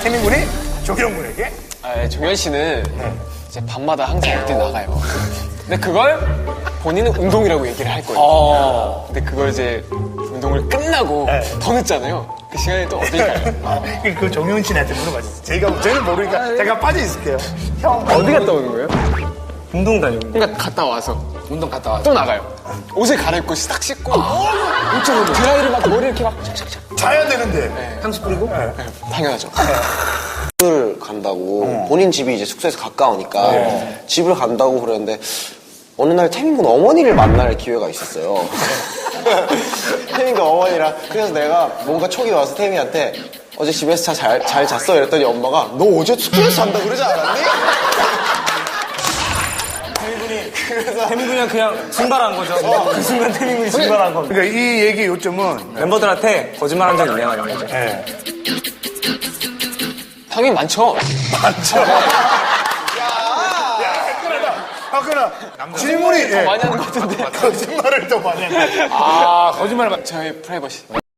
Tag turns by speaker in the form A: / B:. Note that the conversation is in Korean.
A: 태민 군이 종현 군에게?
B: 아, 종현 씨는 이제 밤마다 항상 어디 나가요. 근데 그걸 본인은 운동이라고 얘기를 할 거예요. 근데 그걸 이제 운동을 끝나고 더 늦잖아요. 그 시간에 또 어딜 가요?
A: 그 종현 씨한테 물어봤어요. 저는 모르니까 잠깐 빠져 있을게요. 형
B: 어디 갔다 오는 거예요?
C: 운동 다니고.
B: 그러니까 갔다 와서
C: 운동 갔다 와서.
B: 또 나가요. 옷을 갈아입고 딱 씻고 드라이를 막 머리 이렇게 막 착착착.
A: 자야 되는데.
C: 향수 뿌리고?
B: 네, 당연하죠.
D: 집을 간다고 본인 집이 이제 숙소에서 가까우니까 집을 간다고 그러는데 어느 날 태민군 어머니를 만날 기회가 있었어요. 태민군 어머니랑 그래서 내가 뭔가 촉이 와서 태민한테 어제 집에서 잘 잤어 이랬더니 엄마가 너 어제 숙소에서 잔다 그러지 않았니?
C: 태민군이 그냥 증발한 거죠. 그 순간 태민군이 증발한 겁니다.
A: 그러니까 이 얘기 요점은
C: 멤버들한테 거짓말 한 적 있냐 말이야.
B: 당연히 많죠.
A: 아까나 질문이
B: 더 많이 하는 것 같은데.
A: 거짓말을 더 많이 하는
B: 거짓말 저의 프라이버시.